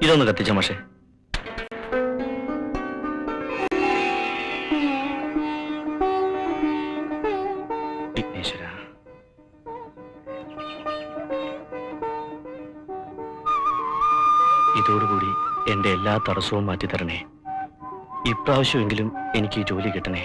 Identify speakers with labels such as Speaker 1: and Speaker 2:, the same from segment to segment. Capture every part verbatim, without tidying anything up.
Speaker 1: ഇതൊന്ന് കത്തിച്ച മാഷേ. വിഘ്നേശ്വര, ഇതോടുകൂടി എന്റെ എല്ലാ തടസ്സവും മാറ്റിത്തരണേ. ഇപ്രാവശ്യമെങ്കിലും എനിക്ക് ഈ ജോലി കിട്ടണേ.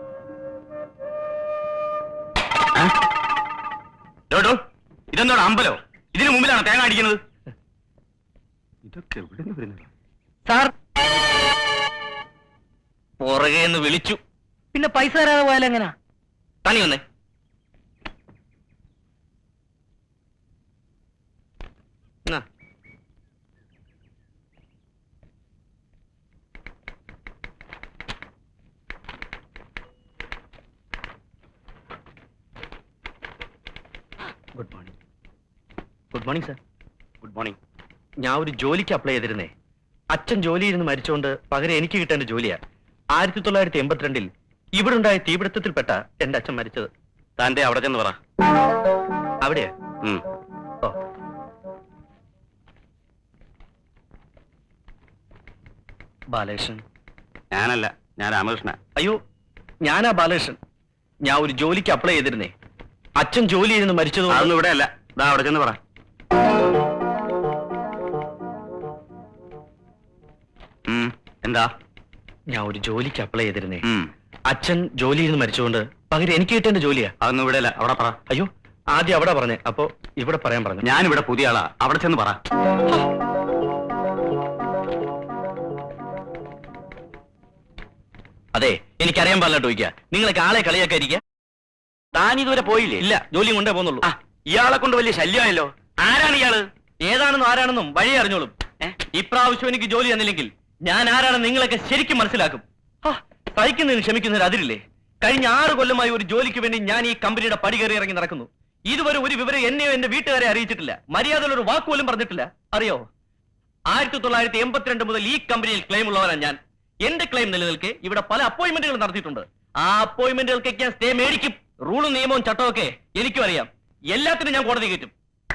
Speaker 1: ഇതെന്താണ് അമ്പലോ? ഇതിനു മുമ്പിലാണ് തേങ്ങ അടിക്കുന്നത്. ഇതൊക്കെ എവിടെ നിന്ന് വരുന്നത്? സാർ പുറകെ എന്ന് വിളിച്ചു.
Speaker 2: പിന്നെ പൈസ തരാതെ പോയാൽ എങ്ങനാ?
Speaker 1: തനി വന്നേ. Good morning. Good morning sir. Good morning. ഞാൻ ഒരു ജോലിക്ക് അപ്ലൈ ചെയ്തിരുന്നേ. അച്ഛൻ ജോലിയിൽ നിന്ന് മരിച്ചുകൊണ്ട് പകരം എനിക്ക് കിട്ടേണ്ട ജോലിയാ. ആയിരത്തി തൊള്ളായിരത്തി എൺപത്തിരണ്ടിൽ ഇവിടെ ഉണ്ടായ തീപിടുത്തത്തിൽപ്പെട്ട എന്റെ അച്ഛൻ മരിച്ചത്. താന്റെ അവിടെ ചെന്ന് പറ. അവിടെയാ? ഓ, ബാലകൃഷ്ണൻ. ഞാനല്ല, ഞാൻ രാമകൃഷ്ണ. അയ്യോ, ഞാനാ ബാലകൃഷ്ണൻ. ഞാൻ ഒരു ജോലിക്ക് അപ്ലൈ ചെയ്തിരുന്നേ. അച്ഛൻ ജോലി ചെയ്തെന്ന് മരിച്ചത് അതൊന്നും ഇവിടെ അല്ല. ദാ അവിടെ ചെന്ന് പറ. എന്താ? ഞാൻ ഒരു ജോലിക്ക് അപ്ലൈ ചെയ്തിരുന്നേ. അച്ഛൻ ജോലി ചെയ്ത് മരിച്ചുകൊണ്ട് പകരം എനിക്ക് കിട്ടേണ്ട ജോലിയാ. അതൊന്നും ഇവിടെ അല്ല, അവിടെ പറ. അയ്യോ, ആദ്യം അവിടെ പറഞ്ഞേ, അപ്പൊ ഇവിടെ പറയാൻ പറഞ്ഞു. ഞാനിവിടെ പുതിയ ആളാ, അവിടെ ചെന്ന് പറ. അതെ, എനിക്കറിയാൻ പാടില്ല ചോദിക്കുക. നിങ്ങളൊക്കെ ആളെ കളിയാക്കാതിരിക്കുക. താൻ ഇതുവരെ പോയില്ലേ? ഇല്ല, ജോലിയും കൊണ്ടേ പോകുന്നുള്ളൂ. ഇയാളെ കൊണ്ട് വലിയ ശല്യമായല്ലോ. ആരാണ് ഇയാള്? ഏതാണെന്നും ആരാണെന്നും വഴി അറിഞ്ഞോളും. ഇപ്രാവശ്യം എനിക്ക് ജോലി തന്നില്ലെങ്കിൽ ഞാൻ ആരാണെന്ന് നിങ്ങളൊക്കെ ശരിക്കും മനസ്സിലാക്കും. സഹിക്കുന്നതിന് ക്ഷമിക്കുന്നതിന് അതിരില്ലേ? കഴിഞ്ഞ ആറ് കൊല്ലമായി ഒരു ജോലിക്ക് വേണ്ടി ഞാൻ ഈ കമ്പനിയുടെ പടി കയറി ഇറങ്ങി നടക്കുന്നു. ഇതുവരെ ഒരു വിവരം എന്നെയോ എന്റെ വീട്ടുകാരെ അറിയിച്ചിട്ടില്ല. മര്യാദയിൽ ഒരു വാക്കുപോലും പറഞ്ഞിട്ടില്ല. അറിയോ, ആയിരത്തി തൊള്ളായിരത്തി എൺപത്തിരണ്ട് മുതൽ ഈ കമ്പനിയിൽ ക്ലെയിം ഉള്ളവരാണ് ഞാൻ. എന്റെ ക്ലെയിം നിലനിൽക്കെ ഇവിടെ പല അപ്പോയിന്റ്മെന്റുകൾ നടത്തിയിട്ടുണ്ട്. ആ അപ്പോയിന്റ്മെന്റുകൾക്കൊക്കെ ഞാൻ സ്റ്റേ മേടിക്കും. റൂളും നിയമവും ചട്ടവും ഒക്കെ എനിക്കും അറിയാം. എല്ലാത്തിനും ഞാൻ കോടതി കയറ്റും.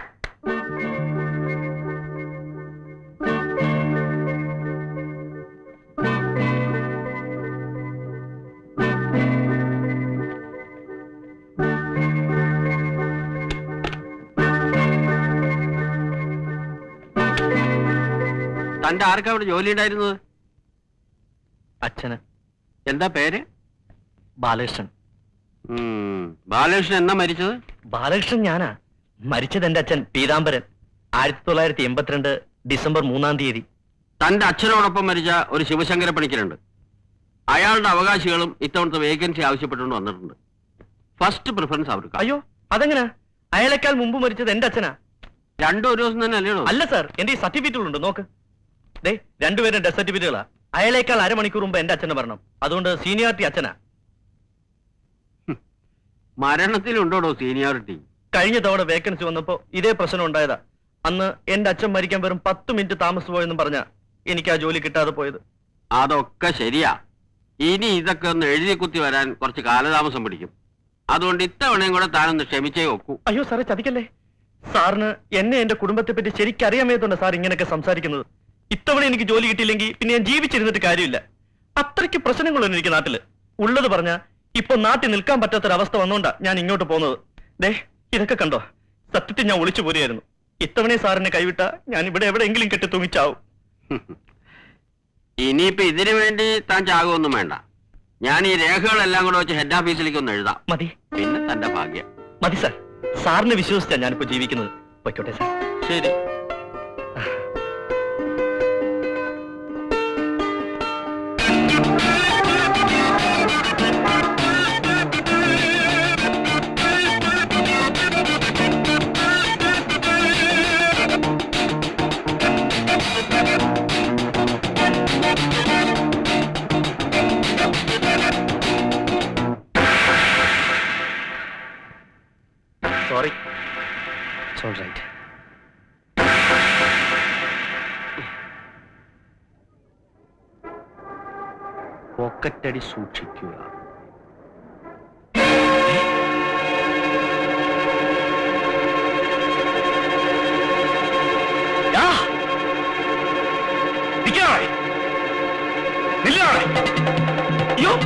Speaker 3: തന്റെ ആർക്കാ അവിടെ ജോലി ഉണ്ടായിരുന്നത്?
Speaker 1: അച്ഛന്.
Speaker 3: എന്താ പേര്?
Speaker 1: ബാലകൃഷ്ണൻ.
Speaker 3: ബാലകൃഷ്ണൻ എന്നാ മരിച്ചത്?
Speaker 1: ബാലകൃഷ്ണൻ ഞാനാ. മരിച്ചത് എന്റെ അച്ഛൻ പീതാംബരൻ. ആയിരത്തി തൊള്ളായിരത്തി എൺപത്തിരണ്ട് ഡിസംബർ മൂന്നാം തീയതി.
Speaker 3: തന്റെ അച്ഛനോടൊപ്പം മരിച്ച ഒരു ശിവശങ്കര പണിക്കരുണ്ട്. അയാളുടെ അവകാശികളും ഇത്തവണത്തെ വേക്കൻസി ആവശ്യപ്പെട്ടുകൊണ്ട് വന്നിട്ടുണ്ട്. ഫസ്റ്റ് പ്രിഫറൻസ് അവർക്ക്.
Speaker 1: അയ്യോ, അതെങ്ങനാ? അയാളെക്കാൾ മുമ്പ് മരിച്ചത് എന്റെ അച്ഛനാ.
Speaker 3: രണ്ടു ഒരു ദിവസം തന്നെ അല്ലേ?
Speaker 1: അല്ല സാർ, എന്റെ ഈ സർട്ടിഫിക്കറ്റുകളുണ്ട്, നോക്ക്. ദേ, രണ്ടുപേരും ഡെത്ത് സർട്ടിഫിക്കറ്റുകളാ. അയാളേക്കാൾ അരമണിക്കൂർ മുമ്പ് എന്റെ അച്ഛനെ മരണം. അതുകൊണ്ട് സീനിയോറിറ്റി അച്ഛനാ.
Speaker 3: മരണത്തിലുണ്ടോടോ സീനിയോറിറ്റി?
Speaker 1: കഴിഞ്ഞ തവണ വേക്കൻസി വന്നപ്പോ ഇതേ പ്രശ്നം ഉണ്ടായതാ. അന്ന് എന്റെ അച്ഛൻ മരിക്കാൻ വെറും പത്ത് മിനിറ്റ് താമസിച്ചു പോയെന്നും പറഞ്ഞ എനിക്ക് ആ ജോലി കിട്ടാതെ പോയത്.
Speaker 3: അതൊക്കെ ശരിയാ. ഇനി ഇതൊക്കെ ഒന്ന് എഴുതി കുത്തി വരാൻ കുറച്ച് കാലതാമസം പിടിക്കും. അതുകൊണ്ട് ഇത്തവണയും കൂടെ താനൊന്ന് ക്ഷമിച്ചേ ഒക്കൂ.
Speaker 1: അയ്യോ സാറേ, ചതിക്കല്ലേ. സാറിന് എന്നെ എന്റെ കുടുംബത്തെ പറ്റി ശരിക്കും അറിയാമേതുകൊണ്ട് സാർ ഇങ്ങനെയൊക്കെ സംസാരിക്കുന്നത്. ഇത്തവണ എനിക്ക് ജോലി കിട്ടിയില്ലെങ്കിൽ പിന്നെ ഞാൻ ജീവിച്ചിരുന്നിട്ട് കാര്യമില്ല. അത്രയ്ക്ക് പ്രശ്നങ്ങളൊന്നും എനിക്ക് നാട്ടില്. ഉള്ളത് പറഞ്ഞ ഇപ്പൊ നാട്ടിൽ നിൽക്കാൻ പറ്റാത്തൊരവസ്ഥ വന്നോണ്ടാ ഞാൻ ഇങ്ങോട്ട് പോകുന്നത്. ദേ, ഇതൊക്കെ കണ്ടോ? സത്യത്തിൽ ഞാൻ ഒളിച്ചു പോരുകയായിരുന്നു. ഇത്തവണ സാറിനെ കൈവിട്ട ഞാൻ ഇവിടെ എവിടെയെങ്കിലും കെട്ടി തൂങ്ങിച്ചാവും.
Speaker 3: ഇനിയിപ്പോ ഇതിനു വേണ്ടി താൻ ചാകുമൊന്നും വേണ്ട. ഞാൻ ഈ രേഖകളെല്ലാം കൂടെ വെച്ച് ഹെഡ് ഓഫീസിലേക്ക് ഒന്ന് എഴുതാം.
Speaker 1: മതി.
Speaker 3: പിന്നെ തന്റെ ഭാഗ്യം.
Speaker 1: മതി സാർ. സാറിനെ വിശ്വസിച്ചാ ഞാനിപ്പോ ജീവിക്കുന്നത്. വയ്ക്കോട്ടെ സാർ.
Speaker 3: ശരി.
Speaker 1: Sorry. It's all right. പോക്കറ്റടി സൂക്ഷിക്കുക. അയ്യോ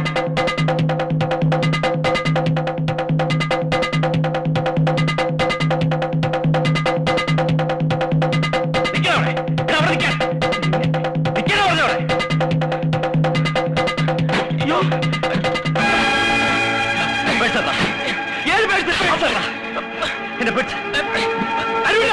Speaker 1: എന്റെ പെട്ട് അറിയില്ല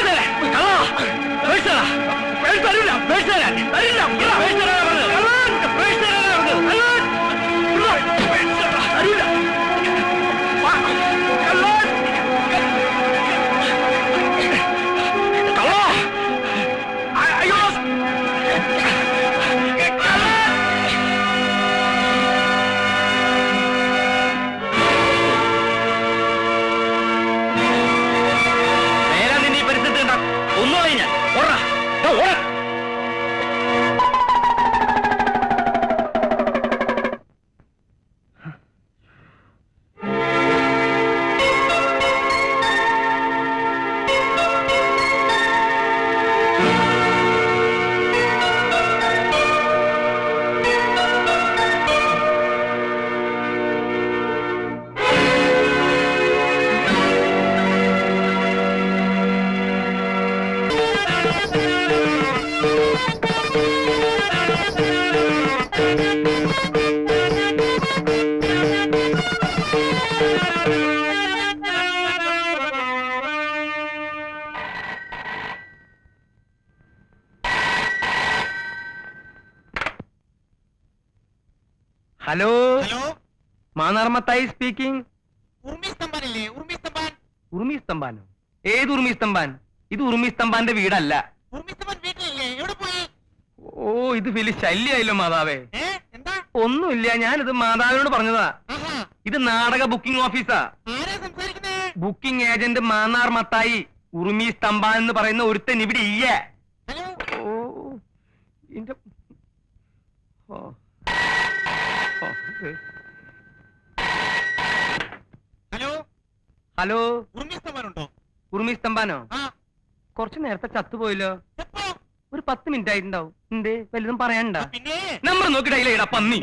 Speaker 2: ഹലോ
Speaker 4: ഹലോ
Speaker 2: മാനാർമത്തായി സ്പീക്കിംഗ്.
Speaker 4: ഉർമി സ്തംഭാനില്ലേ? ഉർമി സ്തംഭാൻ.
Speaker 2: ഉറുമി സ്തംഭാനോ? ഏത് ഉറുമി സ്തംഭാൻ? ഇത് ഉറുമി സ്തംഭാന്റെ വീടല്ല.
Speaker 4: ഉർമി സ്തംഭാൻ വീട്ടിലില്ലേ? എവിടെ പോയി?
Speaker 2: ഓ ഇത് വലിയ ശല്യായല്ലോ മാതാവേ.
Speaker 4: ഏ എന്താ?
Speaker 2: ഒന്നുമില്ല, ഞാനിത് മാതാവിനോട് പറഞ്ഞതാ.
Speaker 4: ആഹാ,
Speaker 2: ഇത് നാടക ബുക്കിംഗ് ഓഫീസാ.
Speaker 4: ആരാ സംസാരിക്കുന്നേ?
Speaker 2: Booking agent Mannar Mathai. ഉറുമി സ്തംഭാൻ എന്ന് പറയുന്ന ഒരുത്തൻ ഇവിടെ ഇല്ല.
Speaker 4: ഹലോ
Speaker 2: ഓ ഇന്റെ ഓ ഓ, ഏ.
Speaker 4: ഹലോ
Speaker 2: ഹലോ
Speaker 4: ഉർമി സ്തംഭാൻ ഉണ്ടോ?
Speaker 2: ഉറുമി സ്തംഭാനോ?
Speaker 4: ആ
Speaker 2: കുറച്ചു നേരത്തെ ചത്തുപോയല്ലോ.
Speaker 4: എപ്പോ?
Speaker 2: ഒരു പത്ത് മിനിറ്റ് ആയിട്ടുണ്ടാവും. എന്തേ വലുതും പറയാനുണ്ടാ?
Speaker 4: ആ, പിന്നെ
Speaker 2: നമ്പർ നോക്കിയിടാ പന്നി.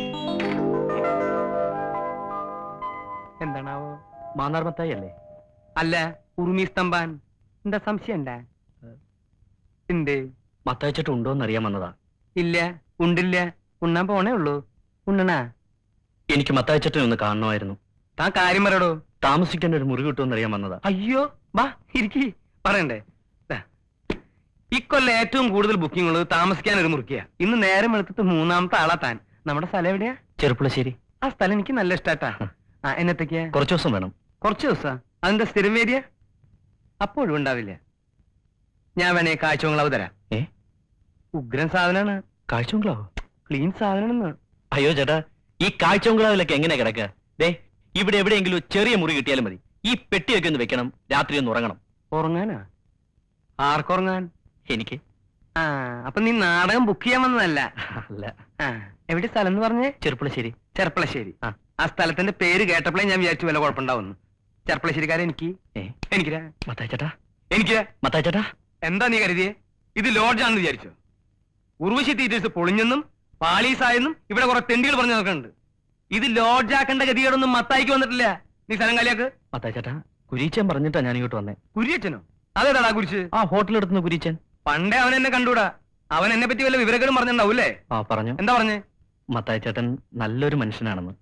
Speaker 2: എന്താണാവോ?
Speaker 1: മാന്നാർമത്തായി അല്ലേ?
Speaker 2: അല്ല, ഉറുമി സ്തംഭാൻ. എന്താ സംശയം ഉണ്ടാ? എന്തേ?
Speaker 1: മത്തായിച്ചിട്ട് ഉണ്ടോന്ന് അറിയാൻ വന്നതാ.
Speaker 2: ഇല്ല, ഉണ്ടില്ല. ഉണ്ണാൻ പോണേ ഉള്ളൂ. ഉണ്ണണാ?
Speaker 1: എനിക്ക് മത്തായിച്ചട്ടിനെ ഒന്ന് കാണണമായിരുന്നു.
Speaker 2: താൻ കാര്യം പറയടോ.
Speaker 1: താമസിക്കാൻ ഒരു മുറി കിട്ടുമെന്ന് അറിയാൻ വന്നതാ.
Speaker 2: അയ്യോ വാ ഇരിക്കി. പറയണ്ടേ? ദാ, ഇക്കൊല്ലം ഏറ്റവും കൂടുതൽ ബുക്കിംഗ് ഉള്ളത് താമസിക്കാൻ ഒരു മുറിക്കുക. ഇന്ന് നേരം എടുത്തിട്ട് മൂന്നാമത്തെ ആളാ താൻ. നമ്മുടെ സ്ഥലം എവിടെയാ?
Speaker 1: ചെറുപ്പുളശ്ശേരി.
Speaker 2: ആ സ്ഥലം എനിക്ക് നല്ല ഇഷ്ടാട്ടാ. ആ എന്നത്തേക്കാ?
Speaker 1: കുറച്ചു ദിവസം വേണം.
Speaker 2: കുറച്ച് ദിവസാ? അതിന്റെ സ്ഥിരം വേദിയ? അപ്പോഴും ഉണ്ടാവില്ല. ഞാൻ വേണേ കാഴ്ചകളവ് തരാം.
Speaker 1: ഏ
Speaker 2: ഉഗ്രൻ സാധനാണ്.
Speaker 1: കാഴ്ചബംഗ്ലാവോ?
Speaker 2: ക്ലീൻ സാധനാണെന്ന്.
Speaker 1: അയ്യോ ചേട്ടാ, ഈ കാഴ്ചബംഗ്ലാവിലൊക്കെ എങ്ങനെ കിടക്കുക? ദേ ഇവിടെ എവിടെയെങ്കിലും ചെറിയ മുറി കിട്ടിയാലും മതി. ഈ പെട്ടിയൊക്കെ ഒന്ന് വെക്കണം, രാത്രി ഒന്ന് ഉറങ്ങണം.
Speaker 2: ഉറങ്ങാനാ? ആർക്കുറങ്ങാൻ?
Speaker 1: എനിക്ക്.
Speaker 2: ആ അപ്പൊ നീ നാടകം ബുക്ക് ചെയ്യാൻ വന്നതല്ല?
Speaker 1: അല്ല.
Speaker 2: ആ എവിടെ സ്ഥലം എന്ന് പറഞ്ഞേ?
Speaker 1: ചെറുപ്പുളശ്ശേരി.
Speaker 2: ചെർപ്പളശ്ശേരി.
Speaker 1: ആ.
Speaker 2: ആ സ്ഥലത്തിന്റെ പേര് കേട്ടപ്പോഴേ ഞാൻ വിചാരിച്ചു വല്ല കുഴപ്പമുണ്ടാവുന്നു. ചെർപ്പളശ്ശേരിക്കാരെ എനിക്ക്
Speaker 1: ഏ
Speaker 2: എനിക്കിരാ
Speaker 1: മത്തായി ചേട്ടാ,
Speaker 2: എനിക്ക്
Speaker 1: മത്തായി ചേട്ടാ.
Speaker 2: എന്താ നീ കരുതിയേ? ഇത് ലോഡ്ജാണെന്ന് വിചാരിച്ചോ? ഉർവശി തീറ്റേഴ്സ് പൊളിഞ്ഞെന്നും പാളീസായെന്നും ഇവിടെ കുറെ തെണ്ടികൾ പറഞ്ഞു നോക്കുന്നുണ്ട്. ഇത് ലോഡ്ജാക്കേണ്ട ഗതികേടൊന്നും മത്തായിക്ക് വന്നിട്ടില്ല. നീ സ്ഥലം കാലിയാക്ക്.
Speaker 1: മത്തായി ചേട്ടാ, കുരീച്ചൻ പറഞ്ഞിട്ടാ ഞാൻ ഇങ്ങോട്ട് വന്നേ.
Speaker 2: കുരിയച്ചനോ? അതേതാടാ കുരിച്ച്?
Speaker 1: ആ ഹോട്ടലെടുത്തുന്ന കുരീച്ചൻ.
Speaker 2: പണ്ടേ അവൻ എന്നെ കണ്ടൂടാ. അവൻ എന്നെ പറ്റി വല്ല വിവരക്കേടും പറഞ്ഞിട്ടുണ്ടാവൂല്ലേ?
Speaker 1: ആ പറഞ്ഞു.
Speaker 2: എന്താ പറഞ്ഞേ?
Speaker 1: മത്തായി ചേട്ടൻ നല്ലൊരു മനുഷ്യനാണെന്ന്.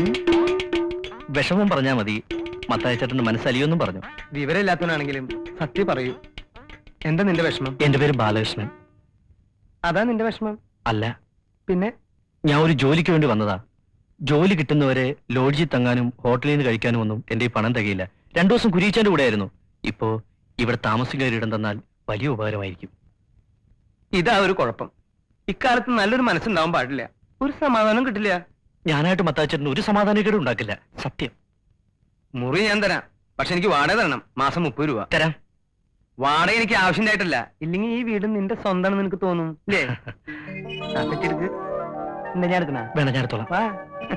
Speaker 1: വിഷമം പറഞ്ഞാ മതി, മത്തായി ചേട്ടന്റെ മനസ്സലിയൊന്നും പറഞ്ഞു.
Speaker 2: വിവരമില്ലാത്തവനാണെങ്കിലും സത്യം പറയൂ. എന്താ നിന്റെ വിഷമം?
Speaker 1: എന്റെ പേര് ബാലകൃഷ്ണൻ.
Speaker 2: അതാ നിന്റെ വിഷമം?
Speaker 1: അല്ല,
Speaker 2: പിന്നെ?
Speaker 1: ഞാൻ ഒരു ജോലിക്ക് വേണ്ടി വന്നതാ. ജോലി കിട്ടുന്നവരെ ലോഡ്ജിൽ തങ്ങാനും ഹോട്ടലിൽ നിന്ന് കഴിക്കാനും ഒന്നും എന്റെ ഈ പണം തികയില്ല. രണ്ടു ദിവസം കുരീച്ചന്റെ കൂടെ ആയിരുന്നു. ഇപ്പോ ഇവിടെ താമസിക്കാൻ ഒരിടം തന്നാൽ വലിയ ഉപകാരമായിരിക്കും.
Speaker 2: ഇതാ ഒരു കുഴപ്പം. ഇക്കാലത്ത് നല്ലൊരു മനസ്സുണ്ടാവാൻ പാടില്ല. ഒരു സമാധാനം കിട്ടില്ല.
Speaker 1: ഞാനായിട്ട് മത്താച്ചേട്ടന് ഒരു സമാധാനക്കേടും ഉണ്ടാക്കില്ല, സത്യം.
Speaker 2: മുറി ഞാൻ തരാം, പക്ഷെ എനിക്ക് വാടക തരണം. മാസം മുപ്പത് രൂപ
Speaker 1: തരാം.
Speaker 2: വാടക എനിക്ക് ആവശ്യമായിട്ടല്ല. ഇല്ലെങ്കിൽ ഈ വീട് നിന്റെ സ്വന്തമാണെന്ന് നിനക്ക് തോന്നും അല്ലേ? എടുക്ക്. എന്താ ഞാൻ എടുക്കണ?
Speaker 1: വേണം, ഞാൻ എടുത്തോളാം.
Speaker 2: വാ.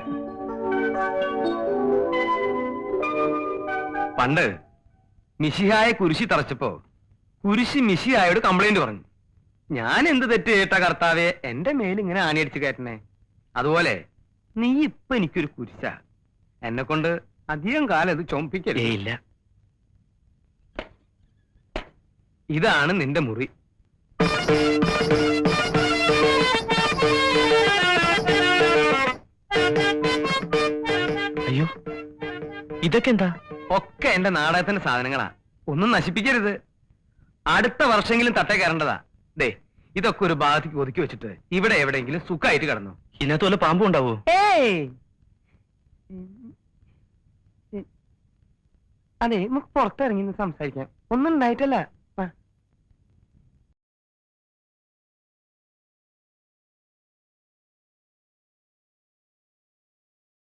Speaker 2: പണ്ട് മിശിഹായെ കുരിശി തറച്ചപ്പോ കുരിശി മിശിഹായോട് കംപ്ലൈന്റ് പറഞ്ഞു. ഞാൻ എന്ത് തെറ്റ് കേട്ട കർത്താവെ എന്റെ മേൽ ഇങ്ങനെ ആണിയടിച്ച് കയറ്റണേ? അതുപോലെ നീ ഇപ്പൊ എനിക്കൊരു കുരിശ. എന്നെ കൊണ്ട് അധികം കാലം ഇത് ചുമപ്പിക്കരുത്.
Speaker 1: ഇല്ല.
Speaker 2: ഇതാണ് നിന്റെ മുറി.
Speaker 1: അയ്യോ, ഇതൊക്കെ എന്താ?
Speaker 2: ഒക്കെ എന്റെ നാടകത്തിന്റെ സാധനങ്ങളാ. ഒന്നും നശിപ്പിക്കരുത്. അടുത്ത വർഷമെങ്കിലും തട്ടേ കയറേണ്ടതാ. ദേ, ഇതൊക്കെ ഒരു ഭാഗത്തേക്ക് ഒതുക്കി വെച്ചിട്ട് ഇവിടെ എവിടെയെങ്കിലും സുഖമായിട്ട് കിടന്നു.
Speaker 1: ഇതിനകത്ത് വല്ല പാമ്പും ഉണ്ടാവോ?
Speaker 2: ഏയ്, അതെ, നമുക്ക് പുറത്തിറങ്ങി സംസാരിക്കാം. ഒന്നും ഉണ്ടായിട്ടല്ല.